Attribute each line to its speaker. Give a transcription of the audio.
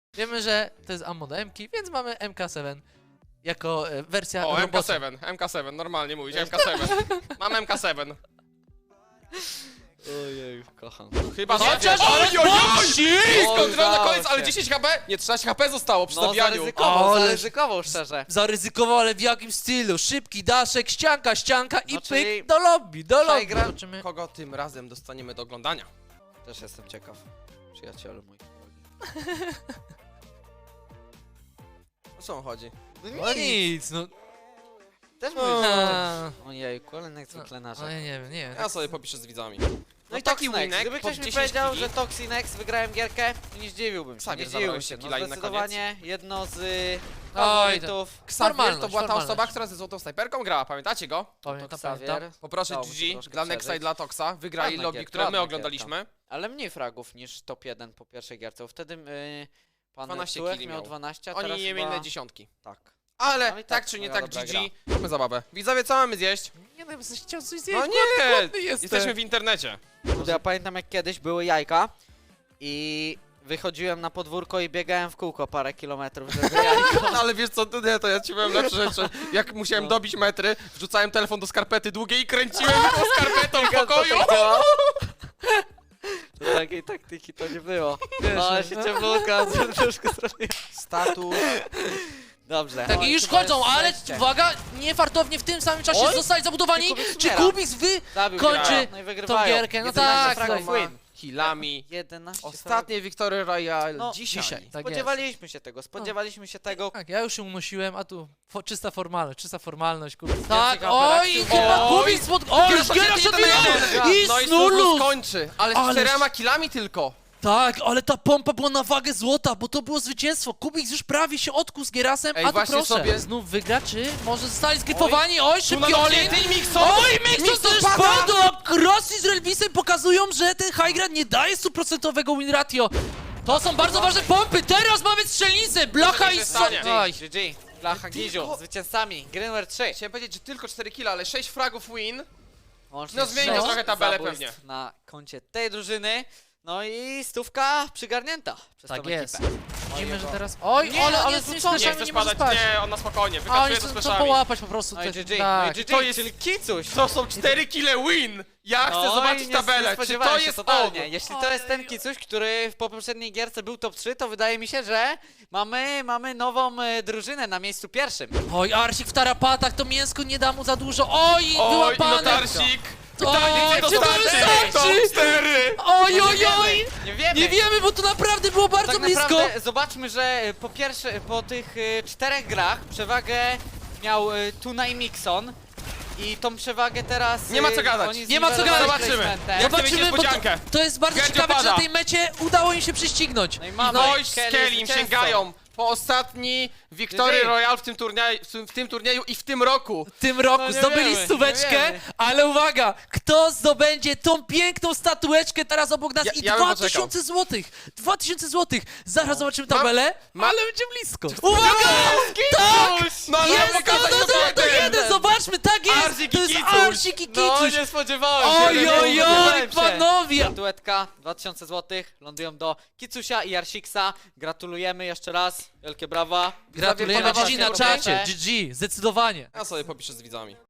Speaker 1: Wiemy, że to jest ammo do MK, więc mamy MK7 jako wersja
Speaker 2: O,
Speaker 1: robocza.
Speaker 2: MK7, normalnie mówić, MK7. Mam MK7.
Speaker 3: Ojej, kocham.
Speaker 2: Chyba, że...
Speaker 1: Chociaż...
Speaker 2: Kontrola na
Speaker 3: udało
Speaker 2: koniec, ale
Speaker 3: się.
Speaker 2: 10 HP? Nie, 13 HP zostało przy
Speaker 3: No
Speaker 2: zabijaniu.
Speaker 3: zaryzykował,
Speaker 1: Ale-
Speaker 3: zaryzykował szczerze.
Speaker 1: Zaryzykował, ale w jakim stylu? Szybki daszek, ścianka i
Speaker 3: No,
Speaker 1: pyk
Speaker 3: czyli
Speaker 1: do lobby, do lobby.
Speaker 2: gra-
Speaker 1: Zobaczymy.
Speaker 2: Kogo tym razem dostaniemy do oglądania?
Speaker 3: Też jestem ciekaw. Przyjacielu mój.
Speaker 2: O co on chodzi?
Speaker 1: No nic, no.
Speaker 3: Też
Speaker 1: No,
Speaker 3: mówisz, że... Ojejku, ale jak zwykle
Speaker 1: no
Speaker 3: narzek.
Speaker 1: ja nie wiem, nie wiem.
Speaker 2: Ja sobie popiszę z widzami.
Speaker 3: No i
Speaker 2: taki
Speaker 3: Toxinex.
Speaker 2: winek
Speaker 3: Gdyby
Speaker 2: pod
Speaker 3: ktoś mi
Speaker 2: 10
Speaker 3: powiedział,
Speaker 2: kili.
Speaker 3: że Toxinex wygrałem gierkę, to nie zdziwiłbym się.
Speaker 2: Xavier
Speaker 3: Nie
Speaker 2: zabrałeś
Speaker 3: zdziwiłbym się.
Speaker 2: te
Speaker 3: No
Speaker 2: killa i na
Speaker 3: zdecydowanie jedno z
Speaker 1: Oj,
Speaker 3: faworytów.
Speaker 2: Xavier to
Speaker 1: Formalność,
Speaker 2: była ta
Speaker 1: formalność.
Speaker 2: osoba, która ze złotą snajperką grała, pamiętacie go?
Speaker 1: Pamiętam,
Speaker 3: Xavier.
Speaker 1: pamiętam.
Speaker 2: Poproszę
Speaker 3: Dało mu się
Speaker 2: GG
Speaker 3: troszkę
Speaker 2: dla Nexa i
Speaker 3: przeżyć.
Speaker 2: dla Toxa. Wygrali
Speaker 3: Ładna
Speaker 2: lobby,
Speaker 3: gierka,
Speaker 2: które my
Speaker 3: ładna
Speaker 2: oglądaliśmy.
Speaker 3: Ale mniej fragów niż top 1 po pierwszej gierce, bo wtedy pan
Speaker 2: 12
Speaker 3: Tułek
Speaker 2: killi
Speaker 3: miał
Speaker 2: miał.
Speaker 3: 12, a
Speaker 2: Oni
Speaker 3: teraz
Speaker 2: nie
Speaker 3: chyba...
Speaker 2: mieli dziesiątki.
Speaker 3: Tak.
Speaker 2: Ale
Speaker 3: No i
Speaker 2: tak
Speaker 3: tak,
Speaker 2: czy nie
Speaker 3: moja
Speaker 2: tak,
Speaker 3: dobra
Speaker 2: GG. Zróbmy zabawę. Widzowie, co mamy zjeść?
Speaker 1: Nie no, jesteś chciał coś zjeść,
Speaker 2: No nie!
Speaker 1: głodny jestem.
Speaker 2: Jesteśmy w internecie.
Speaker 3: Ja pamiętam jak kiedyś były jajka i wychodziłem na podwórko i biegałem w kółko parę kilometrów, żeby jajko.
Speaker 2: Ale wiesz co, nie, to ja ci powiem lepsze rzeczy. Jak musiałem dobić metry, wrzucałem telefon do skarpety długiej i kręciłem tą skarpetą w pokoju.
Speaker 3: To takiej taktyki to nie było.
Speaker 1: Wiesz,
Speaker 3: No, ale
Speaker 1: no.
Speaker 3: się ciemnolka troszkę zrobiła.
Speaker 2: Status.
Speaker 3: Dobrze.
Speaker 1: Tak,
Speaker 3: Oj,
Speaker 1: i już
Speaker 3: chyba
Speaker 1: chodzą,
Speaker 3: jest
Speaker 1: ale
Speaker 3: szczęście.
Speaker 1: uwaga, niefartownie w tym samym czasie
Speaker 3: Oj!
Speaker 1: zostali zabudowani.
Speaker 3: Czy Kubiks
Speaker 1: Czy
Speaker 3: umiera?
Speaker 1: Kubiks
Speaker 3: Zabił
Speaker 1: kończy
Speaker 3: grę. No i wygrywają.
Speaker 1: tą gierkę? No
Speaker 3: 11
Speaker 1: tak,
Speaker 3: fragów
Speaker 1: tak.
Speaker 3: win.
Speaker 2: Killami.
Speaker 3: 11
Speaker 2: Ostatnie Victory Royale
Speaker 3: No,
Speaker 2: dzisiaj.
Speaker 1: Tak
Speaker 3: Spodziewaliśmy się tego, spodziewaliśmy się tego.
Speaker 1: Tak, ja już się unosiłem, a tu czysta formalność, kurde.
Speaker 3: Więcej
Speaker 1: Tak, oj,
Speaker 3: interakcji.
Speaker 1: chyba
Speaker 2: Oj!
Speaker 1: Kubiks oj,
Speaker 2: Gierasza
Speaker 1: Gierasza
Speaker 2: się
Speaker 1: i
Speaker 2: No i
Speaker 1: Snulus!
Speaker 2: Snulus kończy, ale z
Speaker 1: Ależ-
Speaker 2: 4 killami tylko.
Speaker 1: Tak, ale ta pompa była na wagę złota, bo to było zwycięstwo. Kubiks już prawie się odkuł z Gierasem,
Speaker 2: Ej,
Speaker 1: a tu
Speaker 2: właśnie
Speaker 1: proszę.
Speaker 2: sobie-
Speaker 1: Znów wygra, czy może zostali zgryfowani? Oj, szybki
Speaker 2: Tu
Speaker 1: Olin!
Speaker 2: ty Mixon!
Speaker 1: Oj, Mixon też
Speaker 2: pada!
Speaker 1: padł! A Rossi z Relvisem pokazują, że ten high ground nie daje 100% win ratio. To są bardzo ważne pompy, teraz mamy strzelnicę, Blacha i...
Speaker 2: się stanie.
Speaker 1: Oj,
Speaker 3: GG. Blacha Giziu, zwycięzcami. Greenware 3.
Speaker 2: Chciałem powiedzieć, że tylko 4 killa, ale 6 fragów win.
Speaker 3: Łącznie
Speaker 2: No, zmieni
Speaker 1: to
Speaker 3: sześć
Speaker 2: trochę tabelę
Speaker 3: zabójstw
Speaker 2: pewnie.
Speaker 3: na koncie tej drużyny. No i stówka przygarnięta przez
Speaker 1: tak
Speaker 3: tą
Speaker 1: jest.
Speaker 3: ekipę.
Speaker 1: Widzimy, że
Speaker 3: Ojej,
Speaker 1: teraz... Oj,
Speaker 3: Nie,
Speaker 1: ale on
Speaker 3: ale
Speaker 1: jest
Speaker 3: to
Speaker 1: z
Speaker 3: co?
Speaker 2: Nie
Speaker 1: fleszami,
Speaker 2: chcesz
Speaker 1: nie może
Speaker 2: padać,
Speaker 1: spać.
Speaker 2: nie, on na spokojnie,
Speaker 1: A oni
Speaker 2: wykazuje to z
Speaker 1: chcą
Speaker 2: fleszami.
Speaker 1: połapać po prostu.
Speaker 3: No i
Speaker 1: te-
Speaker 3: GG,
Speaker 1: tak.
Speaker 3: no i GG,
Speaker 2: To jest-
Speaker 3: czyli Kicuś.
Speaker 2: To są 4 kille win! Ja chcę
Speaker 3: No
Speaker 2: zobaczyć
Speaker 3: i nie
Speaker 2: tabelę, czy
Speaker 3: spodziewałem
Speaker 2: to
Speaker 3: się
Speaker 2: jest
Speaker 3: totalnie.
Speaker 2: on?
Speaker 3: Jeśli to jest ten Kicuś, który w poprzedniej gierce był top 3, to wydaje mi się, że mamy nową drużynę na miejscu pierwszym.
Speaker 1: Oj, Arsik w tarapatach, to mięsko nie da mu za dużo. Oj,
Speaker 2: Oj,
Speaker 1: wyłapane.
Speaker 2: notarsik!
Speaker 1: Oj, czy to wystarczy?
Speaker 2: Top 4!
Speaker 1: Oj, oj, oj.
Speaker 3: Nie wiemy.
Speaker 1: Nie wiemy, bo to naprawdę było bardzo
Speaker 3: Tak
Speaker 1: blisko.
Speaker 3: naprawdę zobaczmy, że po pierwsze, po tych 4 grach przewagę miał Tuna i Mixon. I tą przewagę teraz...
Speaker 2: Nie ma co gadać.
Speaker 3: oni
Speaker 1: Nie ma co
Speaker 3: zniwelowali
Speaker 1: gadać.
Speaker 2: Zobaczymy.
Speaker 3: placementem.
Speaker 2: Ja chcę mieć
Speaker 1: Zobaczymy, bo
Speaker 2: niespodziankę.
Speaker 1: to jest bardzo
Speaker 2: Gerdzio
Speaker 1: ciekawe, że
Speaker 2: pada.
Speaker 1: na tej mecie udało im się prześcignąć.
Speaker 3: No i mamy
Speaker 2: No i z
Speaker 3: Kelly
Speaker 2: Kelim
Speaker 3: zwycięzcą.
Speaker 2: sięgają po ostatni Victory
Speaker 3: GG.
Speaker 2: Royale w tym turnieju i w tym roku.
Speaker 1: W tym roku
Speaker 3: No nie
Speaker 1: zdobyli
Speaker 3: wiemy,
Speaker 1: stóweczkę,
Speaker 3: nie wiemy.
Speaker 1: ale uwaga, kto zdobędzie tą piękną statueczkę teraz obok nas i
Speaker 2: Ja bym
Speaker 1: 2000 złotych. 2000 złotych. Zaraz zobaczymy
Speaker 2: Mam-
Speaker 1: tabelę,
Speaker 2: mam-
Speaker 1: ale będzie blisko. Uwaga! Tak!
Speaker 2: No ale
Speaker 1: Jest
Speaker 2: pokazać
Speaker 1: to jeden, zobaczmy, tak jest!
Speaker 2: Arsik
Speaker 1: To
Speaker 2: i
Speaker 1: jest
Speaker 2: Kicuś.
Speaker 1: Arsik i
Speaker 3: No
Speaker 1: Kicuś.
Speaker 3: nie spodziewałem się.
Speaker 1: Oj,
Speaker 3: nie
Speaker 1: oj, oj,
Speaker 3: spodziewałem się.
Speaker 1: panowie!
Speaker 3: Statuetka, 2000 zł, lądują do Kicusia i Arsiksa. Gratulujemy jeszcze raz, wielkie brawa.
Speaker 1: Gratulujemy
Speaker 3: Podoba
Speaker 1: GG
Speaker 3: się
Speaker 1: na
Speaker 3: progresę.
Speaker 1: czacie, GG, zdecydowanie.
Speaker 2: Ja sobie popiszę z widzami.